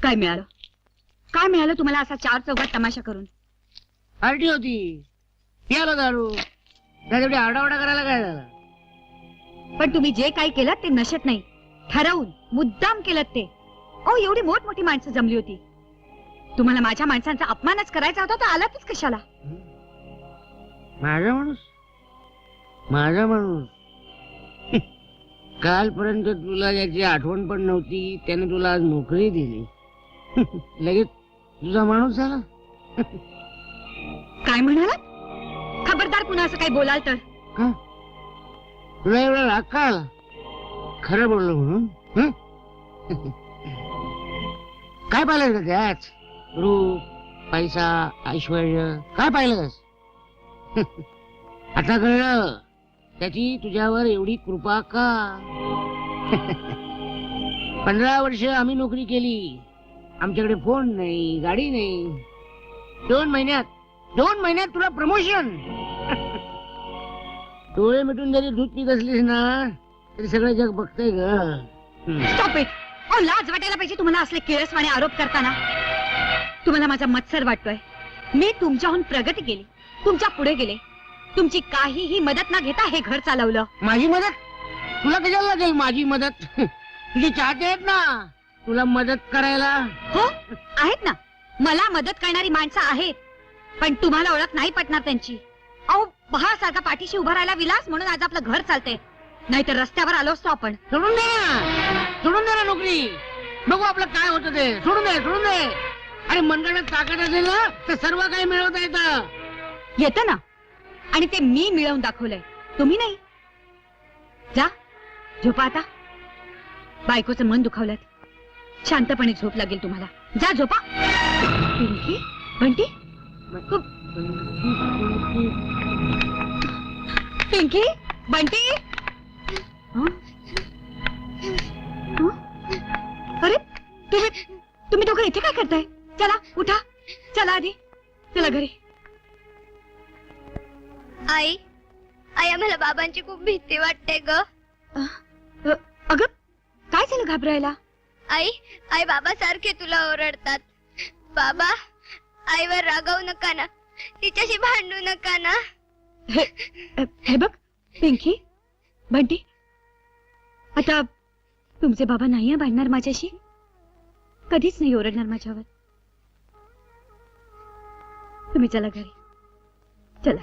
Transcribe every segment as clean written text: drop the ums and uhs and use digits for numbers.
काय मिळालं? काय मिळालं तुम्हाला असा 4 चौघात तमाशा करून? पार्टी होती, पियाला दारू, त्याच्याकडे आरडाओरडा करायला काय झालं? पण तुम्ही जे काही केलं ते नशेत नाही, ठरवून मुद्दाम केलं ते. ओ एवढी मोठमोठी माणसं जमली होती. तुम्हाला माझ्या माणसांचा अपमानच करायचा होता तर आलातच कशाला? माझा माणूस, माझा माणूस. कालपर्यंत तुला याची आठवण पण नव्हती, त्याने तुला आज नोकरी दिली. लगेच तुझा माणूस झाला. काय म्हणालात? खबरदार पुन्हा असं काही बोलाल तर. का तुला एवढा राग का आला? खरं बोललो म्हणून? काय पाहिलं का त्याच? रूप, पैसा, ऐश्वर काय पाहिलंस? आता कळलं त्याची तुझ्यावर एवढी कृपा का. 15 वर्ष आम्ही नोकरी केली, आमच्याकडे फोन नाही, गाडी नाही. 2 महिन्यात तुला प्रमोशन. डोळे मिटून जरी दूध पीत असलीस ना तरी सगळं जग बघतंय ग. Stop it. ओ लाज वाटायला पाहिजे तुम्हाला असले किळसवाणे आरोप करताना. तुम्हाला माझा मत्सर वाटतोय. मी तुमच्याहून प्रगती केली, तुमच्या पुढे गेले, तुमची काहीही मदत न घेता हे घर चालवलं. माझी मदत तुला कशाला लागेल? माझी मदत तुझी चाहते आहेत ना तुला मदत करायला. हो आहेत ना, मला मदत करणारी माणसं आहेत, पण तुम्हाला ओळख नाही पटणार त्यांची. अहो सारखा पाठीशी उभा राहायला विलास म्हणून आज आपलं घर चालतंय, नाहीतर रस्त्यावर आलो असतो आपण. सोडून दे ना नोकरी, बघू आपलं काय होतं ते. सोडून दे. अरे मनगडात ताकद असेल ना तर सर्व काही मिळवता येतं. येतं ना, आणि ते मी मिळवून दाखवलंय, तुम्ही नाही. जा झोपा आता. बायकोचं मन दुखावलं, शांतपणे झोप लागेल तुम्हाला. जा झोपा. पिंकी, बंटी, पिंकी, बंटी. अरे तुम्ही दोघं इथे काय करताय? चला उठा, चला आधी, चला घरी. आई आम्हाला बाबांची खूप भीती वाटते ग. अगं काय झालं घाबरायला? आई बाबा सारखे तुला ओरडतात. बाबा आईवर रागावू नका ना, तिच्याशी भांडू नका ना. हे बघ पिंकी, बंटी, आता तुमचे बाबा नाही भांडणार माझ्याशी, कधीच नाही ओरडणार माझ्यावर. तुम्ही चला घरी, चला.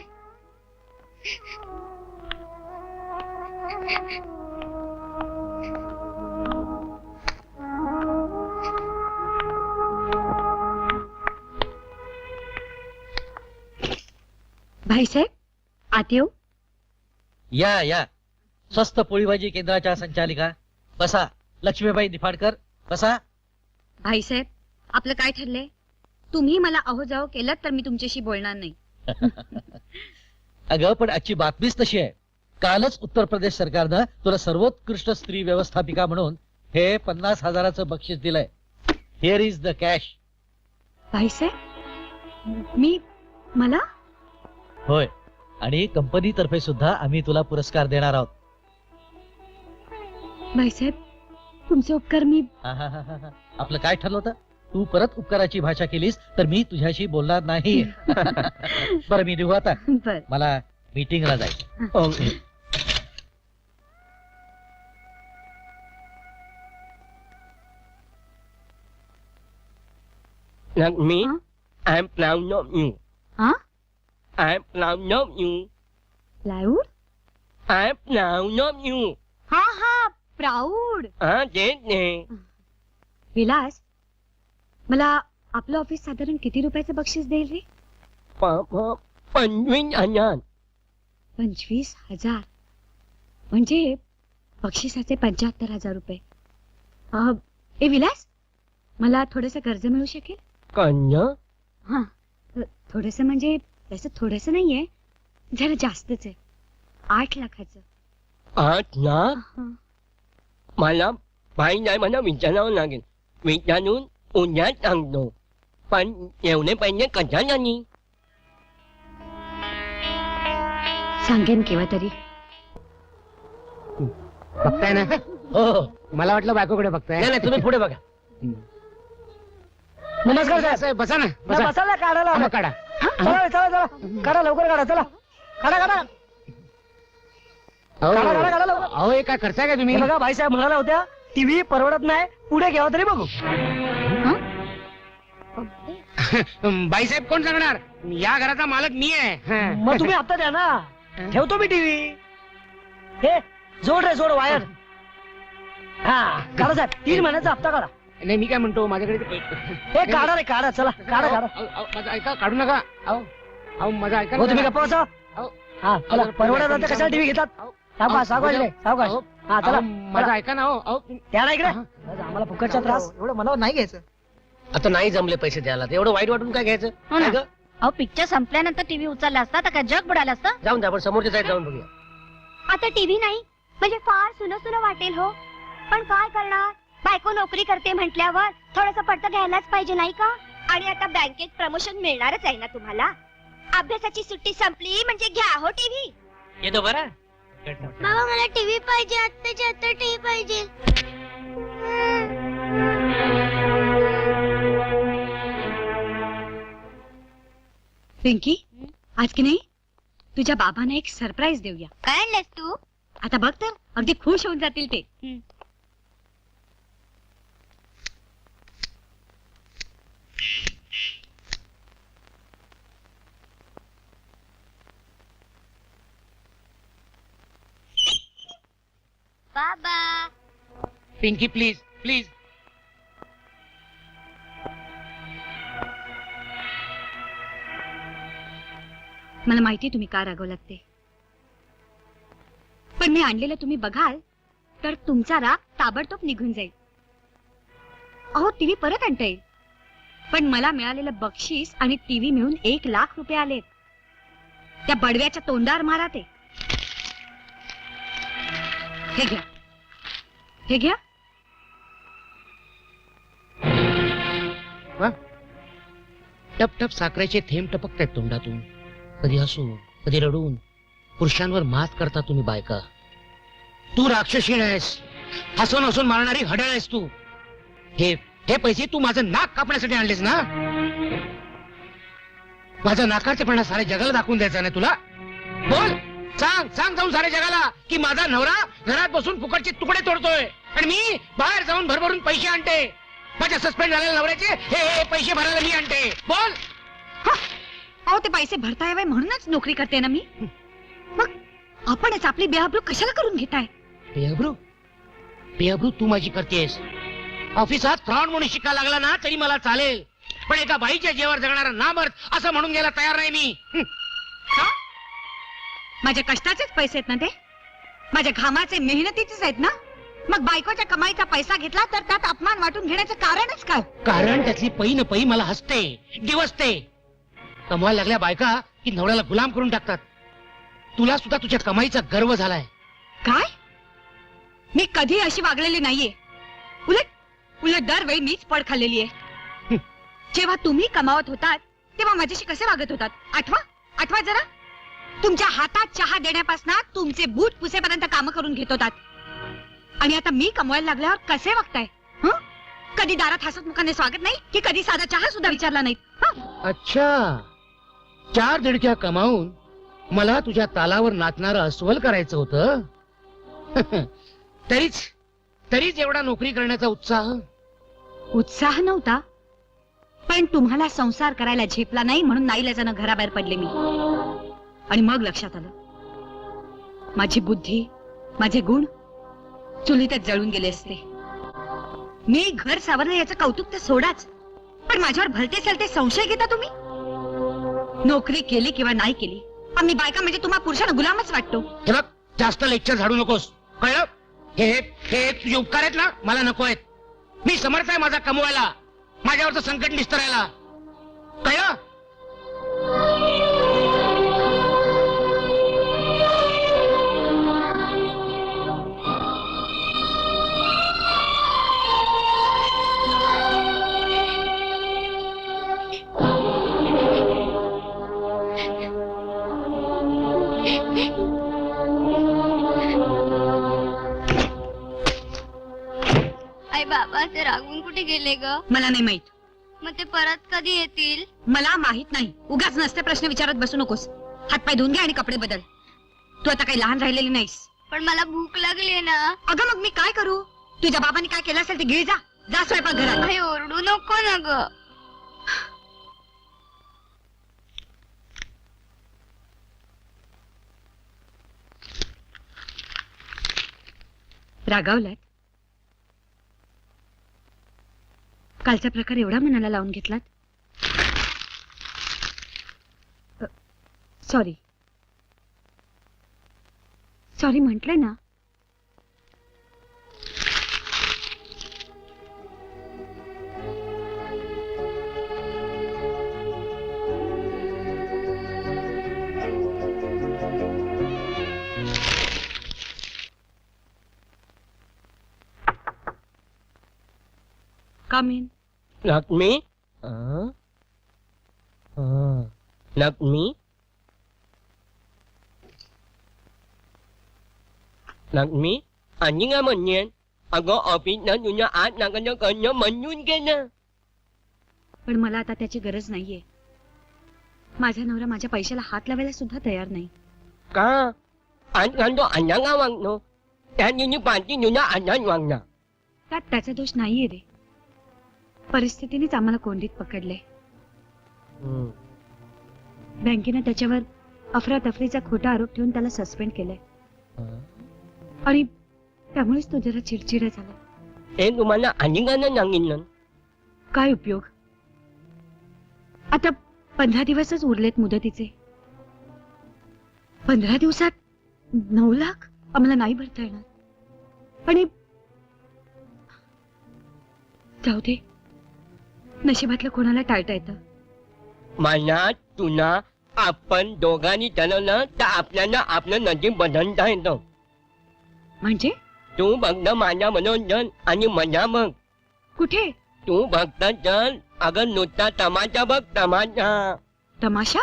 भाईसाहेब आत येऊ? या स्वस्त पोळी भाजी केंद्राच्या संचालिका बसा. लक्ष्मीबाई निफाडकर बसा. भाईसाहेब आपलं काय ठरलंय? तुम्ही मला अहो जाओ केलं तर मी तुमच्याशी बोलणार नाही. अगं पण आजची बातमीच तशी आहे. कालच उत्तर प्रदेश सरकारनं तुला सर्वोत्कृष्ट स्त्री व्यवस्थापिका म्हणून हे 50,000चं बक्षीस दिलंय. Here is the cash. भाईसाहेब मला? होय, आणि कंपनी तर्फे सुद्धा आम्ही तुला पुरस्कार देणार आहोत. भाईसाहेब तुमचे उपकार मी. आपलं काय ठरलं होतं? तू परत उपकाराची भाषा केलीस तर मी तुझ्याशी बोलणार नाही. बरं मी निघू आता, बर. मला मीटिंगला जायचं. Me, I'm proud of you. हा I'm proud of you. Proud? I'm proud of you. हा प्राऊड. तेच नाही. विलास, मला आपलं ऑफिस साधारण किती रुपयाचं बक्षीस देईल रे? 25,000. 25,000 म्हणजे बक्षिसाचे 75,000 रुपये. ए विलास, मला थोडस कर्ज मिळू शकेल? कर्ज? हा थोडस म्हणजे तसं थोडस नाहीये, जरा जास्तच आहे. 8 लाखाचं. 8 लाख? मला भाई नाही, मला विचारावं लागेल. विचारून उद्या सांगतो. पण एवढे पैसे कशाला नाही? सांगेन केव्हा तरी. बघताय ना? हो मला वाटलं बायकोकडे बघताय. नाही, तुम्ही पुढे बघा. नमस्कार साहेब. साहेब बसा ना नाही, बसा बसायला काढायला हा, आलोय. मग काढा चला चला चला काढा लवकर काढा चला काढा काढा अहो, काढा, काढा, काढा लवकर. अहो हे काय करताय का तुम्ही हे बघा भाईसाहेब म्हणाला होत्या टीव्ही परवडत नाही पुढे घ्यावा तरी बघू बाईसाहेब कोण सांगणार या घराचा मालक मी आहे हा. मग तुम्ही हप्ता द्या ना ठेवतो मी टीव्ही हे जोड रे जोड वायर हा काढा साहेब 3 महिन्याचा हप्ता काढा नाही मी काय म्हणतो माझ्याकडे ते हे काढा रे काढा चला काढा काढा अहो, अहो, माझं ऐका काढू नका अहो अहो माझं ऐका हो ना तुम्ही जरा. गप्पा बसा अहो, हा चला अहो, परवडत अहो, आता कशाला टीव्ही घेतात अहो, सावकाश सावकाश रे सावकाश अहो, हा चला अहो, माझं ऐका ना हो अहो त्या ना इकडे हा. आम्हाला फुकटचा त्रास एवढं मला नाही घ्यायचं आता नाही जमले पैसे द्यायला तर एवढं वाईट वाटून काय घ्यायचं हो ना. काय गं? अहो पिक्चर संपल्यानंतर टीव्ही उचलला असता तर काय जग बुडालं असतं जाऊन द्या आपण समोरच्या साईड जाऊन बघूया. आता टीव्ही नाही म्हणजे फार सुन सुन वाटेल हो पण काय करणार बायको नोकरी करते म्हटल्यावर थोडस पडतं घ्यायलाच पाहिजे नाही का आणि आता बँकेत प्रमोशन मिळणारच आहे ना तुम्हाला अभ्यासाची सुट्टी संपली म्हणजे घ्या हो टीव्ही येतो बरं बाबा मला टीव्ही पाहिजे आत्ताच्या आत्ता टीव्ही पाहिजे पिंकी आज की नाही तुझ्या बाबांना एक सरप्राईज देऊया काय आणलंस तू आता बघ तर अगदी खुश होऊन जातील ते बाबा पिंकी प्लीज प्लीज मला माहिती तुम्ही का रागवलात ते पण मी आणलेलं तुम्ही बघाल तर तुमचा राग ताबडतोब निघून जाईल अहो टीव्ही परत आणता येईल पण मला मिळालेलं बक्षीस आणि टीव्ही मिळून 1,00,000 आलेत त्या बडव्याच्या तोंडावर मारा ते हे घ्या हे घ्या टप टप साखरेचे थेंब टपकतायत तोंडातून कधी हसून कधी रडून पुरुषांवर मात करता तुम्ही बायका तू राक्षसीण आहेस हसून हसून मारणारी हडळ आहेस तू हे हे पैसे तू माझं नाक कापण्यासाठी आणलेस ना माझं नाकारचेपणा साऱ्या जगाला दाखवून द्यायचा ना तुला बोल सांग सांग जाऊन साऱ्या जगाला की माझा नवरा घरात बसून फुकटचे तुकडे तोडतोय आणि मी बाहेर जाऊन भरभरून पैसे आणते माझ्या सस्पेंड झालेल्या नवऱ्याचे हे पैसे भरायला मी आणते बोल अहो ते पैसे भरता यावे म्हणूनच नोकरी करते ना मी मग आपणच आपली बेअब्रू कशाला करून घेताय बेअब्रू बेअब्रू तू माझी करतेस ऑफिसात फ्रॉड म्हणून शिका लागला ना तरी मला चालेल पण एका बाईच्या जीवावर जगणारा नामर्थ असं म्हणून घ्यायला तयार नाही मी का? माझ्या कष्टाचेच पैसे आहेत ना ते माझ्या घामाचे मेहनतीचेच आहेत ना मग बायकोच्या कमाईचा पैसा घेतला तर त्यात अपमान वाटून घेण्याचं कारणच काय कारण त्यातली पै न पै मला हसते दिवसते कमवायला लागल्या बायका की नवऱ्याला गुलाम करून टाकतात तुला सुद्धा तुझ्या कमाईचा गर्व झालाय काय मी कधी अशी वागलेली नाहीये उलट उलट दरवेळी मीच पड खाल्लेली आहे जेव्हा तुम्ही कमावत होतात तेव्हा माझ्याशी कसे वागत होतात आठवा आठवा जरा तुमच्या हातात चहा देण्यापासून तुमचे बूट पुसेपर्यंत काम करून घेत होतात आणि आता मी कमवायला लागल्यावर कसे वागताय हं? कधी दारात हसत मुखाने स्वागत नाही की कधी साधा चहा सुद्धा विचारला नाही अच्छा 4 दिडक्या कमावून मला तुझ्या तालावर नाचणारं अस्वल करायचं होतं तरीच तरीच एवढा नोकरी करण्याचा उत्साह नव्हता पण तुम्हाला संसार करायला झेपला नाही म्हणून नाईलाजानं घराबाहेर पडले मी आणि मग लक्षात आलं माझी बुद्धी माझे गुण चुलीतच जळून गेले असते मी घर सावरलं याचं कौतुक तर सोडाच पण माझ्यावर भलते सलते संशय घेता तुम्ही नोकरी केली किंवा नाही केली आम्ही बायका म्हणजे तुम्हा पुरुषांना गुलामच वाटतो हे बघ जास्त लेक्चर झाडू नकोस कळलं हे तुझे उपकार आहेत ना मला नको आहेत मी समर्थ आहे माझा कमवायला माझ्यावरचं संकट निस्तरायला कळलं आई बाबा ते रागून कुठे गेले ग मला नाही माहित मग ते परत कधी येतील? मला माहित नाही. उगाच नसते प्रश्न विचारत बसू नकोस. हातपाय धुवून घे आणि कपडे बदल. तू आता काही लहान राहिलेली नाहीस. पण मला भूक लागली ना. अगं मग मी काय करू? तुझ्या बाबांनी काय केलं असेल ते गिळ जा. जा स्वयंपाक घरात. काही ओरडू नको ना ग. रागावलात? कालचा प्रकार एवढा मनाला लावून घेतलात? सॉरी सॉरी म्हटलंय ना. Come in. लक्ष्मी लक्ष्मी लक्ष्मी आणि काय म्हणणे अगं ऑफिसला तुझ्या आत नाकाचं करणं मंजूर केलं. पण मला आता त्याची गरज नाहीये. माझा नवरा माझ्या पैशाला हात लावायला सुद्धा तयार नाही. का आज तो अन्ना का वागतो त्या दिवशी पाठी तुझ्या अन्नाच वागणार. त्यात त्याचा दोष नाहीये रे. परिस्थितीनेच आम्हाला कोंडीत पकडले. बँकेनं त्याच्यावर अफरातफरीचा खोटा आरोप ठेवून त्याला सस्पेंड केलंय. आणि त्यामुळेच तो जरा चिडचिडा झाला. हे तुम्हाला अनेकांना सांगितलं. काय उपयोग? आता 15 दिवसच उरलेत मुदतीचे. 15 दिवसात 9 लाख आम्हाला नाही भरता येणार. आणि जाऊ दे, नशिबातलं कोणाला टाळता येतं. मला तुला आपण दोघांनी ठरवलं तर आपल्याला आपलं नजीब बदलता येतं. म्हणजे तू फक्त माझ्या मनोरंजन आणि मजा बघ. कुठे तू फक्त चल अगं नुसता तमाशा बघ तमाशा. तमाशा?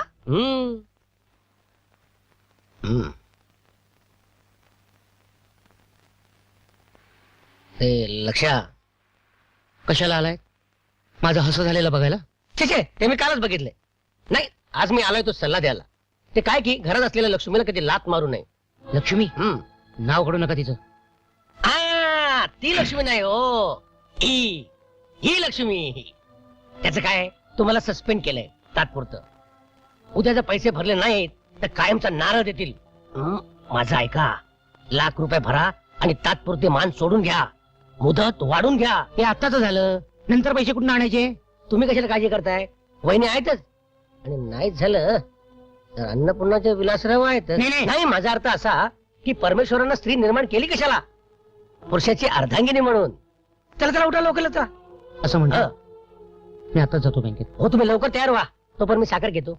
ते लक्षा कशाला आलाय? माझं हसं झालेलं बघायला? छे छे, ते मी कालच बघितले. नाही, आज मी आलोय तो सल्ला द्यायला. ते काय की घरात असलेल्या लक्ष्मीला कधी लात मारू नये. लक्ष्मी? नाव काढू नका तिचं. ती लक्ष्मी नाही हो, ही लक्ष्मी. त्याचं काय, तुम्हाला सस्पेंड केलंय तात्पुरतं. उद्या जर पैसे भरले नाहीत तर कायमचा नारळ देतील. माझं ऐका, ₹1,00,000 भरा आणि तात्पुरते मान सोडून घ्या. मुदत वाढून घ्या. हे आत्ताच झालं, नंतर पैसे कुठून आणायचे? तुम्ही कशाला काळजी करताय? वहिनी आहेतच. आणि नाहीच झालं तर अन्नपूर्णाचे विलासराव आहेत. नाही, माझा अर्थ असा की परमेश्वरानं स्त्री निर्माण केली कशाला? पुरुषाची अर्धांगिनी म्हणून. चला चला, उठा लवकर चला. असं म्हणतो मी आता जातो बँकेत. हो, तुम्ही लवकर तयार व्हा, तोपर्यंत मी साखर घेतो.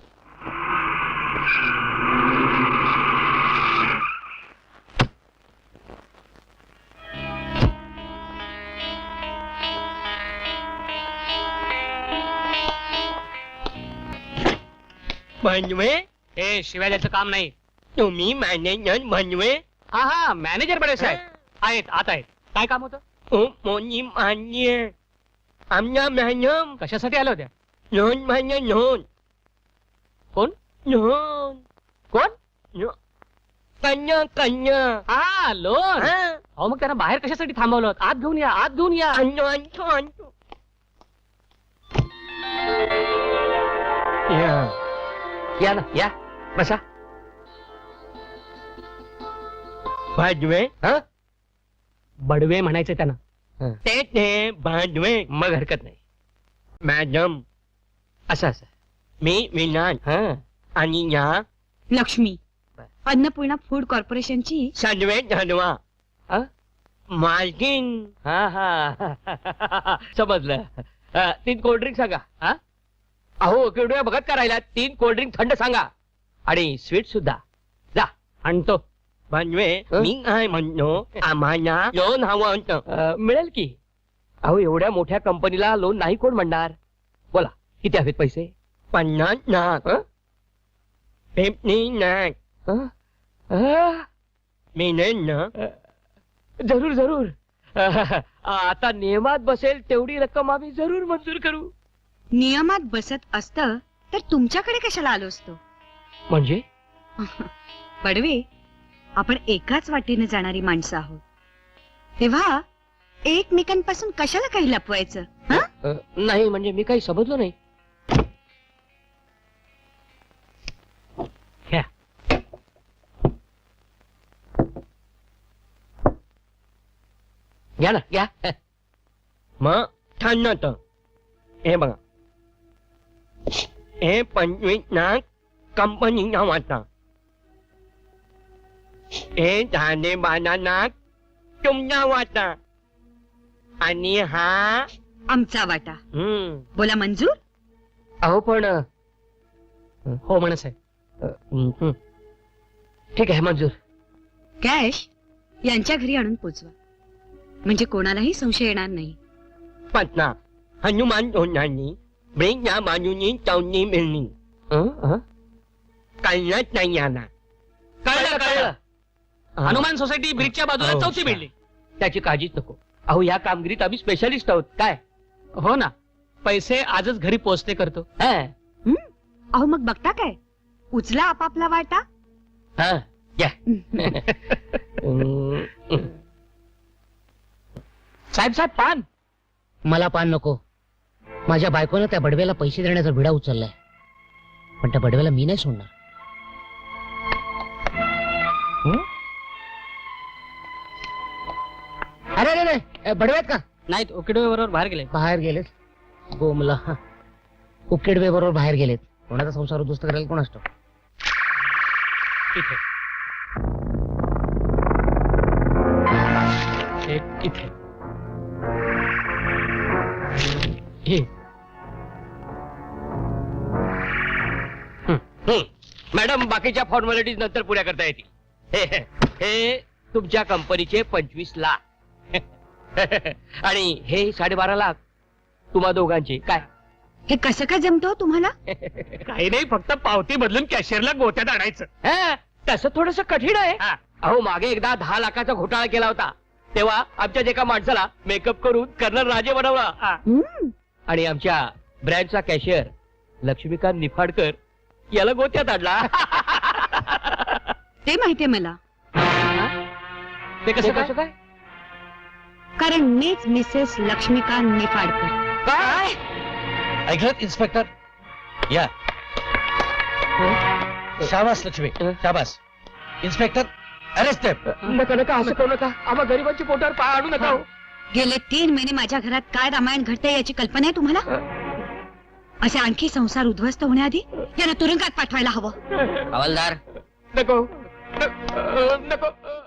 म्हणवे हे शिवाय द्यायचं काम नाही. तुम्ही मॅनेजर म्हणवे. हा हा, मॅनेजर बडे साहेब आहेत, आत आहेत. काय काम होतं? मोनी मान्य आमच्या मॅडम कशासाठी आल्या होत्या? लोन मान्य लोन. कोण? लोन कोण? कन्या कन्या. हा, लोन. अहो, मग त्यांना बाहेर कशासाठी थांबवलं? आत घेऊन या, आत घेऊन या. आणतो आणतो आणतो. या ना, या बसा. भाजवे बडवे म्हणायचे त्यांना. ते भाजवे. मग हरकत नाही. मॅडम असं असं. मी विनान आणि या लक्ष्मी, अन्नपूर्णा फूड कॉर्पोरेशनची सदवे धनवा मालकीन. हा हा समजलं. 3 कोल्ड्रिंक सांगा. हा, अहो केवढ्या बघत का राहिला? 3 कोल्ड्रिंक थंड सांगा आणि स्वीट सुद्धा. जा आणतो. भाजवे मी काय म्हणतो, आम्हाला लोन हवं होतं. मिळेल की. अहो, एवढ्या मोठ्या कंपनीला लोन नाही कोण म्हणणार. बोला, किती हवेत पैसे? 50 लाख. 50 लाख. मिळेल ना? जरूर जरूर. आता नियमात बसेल तेवढी रक्कम आम्ही जरूर मंजूर करू. नियमात बसत असतं तर तुमच्याकडे कशाला आलो असतो? म्हणजे पडवे, आपण एकाच वाटेने जाणारी माणसं आहोत, तेव्हा एकमेकांपासून कशाला काही लपवायचं? हं? नाही म्हणजे मी काही समजलो नाही. घ्या. घ्या ना घ्या. मग छान तर हे बघा, हे 25 लाख कंपनी नावाचा, हे 12 लाख तुमच्या वाटा, आणि हा आमचा वाटा. बोला मंजूर? अहो पण हो म्हणस आहे. ठीक आहे मंजूर. कॅश यांच्या घरी आणून पोचवा, म्हणजे कोणालाही संशय येणार नाही. पटना हनुमान तोंडांनी ब्रेकच्या बाजूनी चौनी मिळणी कळलंच नाही याला. कळलं कळलं. हनुमान सोसायटी ब्रिजच्या बाजूला हो. चौथी बिल्डिंग. त्याची काळजीच नको. अहो या कामगिरीत आम्ही स्पेशालिस्ट आहोत. काय हो ना, पैसे आजच घरी पोहोचते करतो. हा, अहो मग बघता काय, उचला आपापला वाटा. हा, घ्या. साहेब साहेब पान. मला पान नको. माझ्या बायकोनं त्या बडव्याला पैसे देण्याचा विडा उचललाय, पण त्या बडव्याला मी नाही सोडणार. अरे अरे अरे, बडव्यात का? नाहीत, ओकेडो बरोबर बाहेर गेले. बाहेर गेलेत. गोमला उकेडवे बरोबर बाहेर गेलेत. कोणाचा संसार उद्ध्वस्त करायला कोण असतो? इथे एक इथे. हे मॅडम बाकीच्या फॉर्मॅलिटीज नंतर पुऱ्या करता येतील. हे तुमच्या कंपनीचे 25 लाख आणि हे 12.5 लाख तुम्हा दोघांचे. काय हे कसं काय जमतो तुम्हाला? काही नाही, फक्त पावती बदलून कॅशियरला गोत्यात आणायचं. हा, तसं थोडस कठीण आहे. हा. अहो मागे एकदा 10 लाखाचा घोटाळा केला होता, तेव्हा आमच्याच एका माणसाला मेकअप करून कर्नल राजे बनवला. हम्म. आणि आमच्या ब्रँडचा कॅशियर लक्ष्मीकांत निफाडकर याला गोत्यात आणला. ते माहितीये मला, ते कसं काय? कारण मीच मिसेस लक्ष्मीकांत निफाडकर. काय ऐकलं इन्स्पेक्टर? या शाबास लक्ष्मी, शाबास. Inspector arrest them. नका नका असं करू नका. आम्हा गरिबांची पोटावर पाय आणू नका हो. गेले 3 महिने माझ्या घरात काय रामायण घडते याची कल्पना आहे तुम्हाला? असे आणखी संसार उद्ध्वस्त होण्याआधी यांना तुरुंगात पाठवायला हवं. हवालदार, नको नको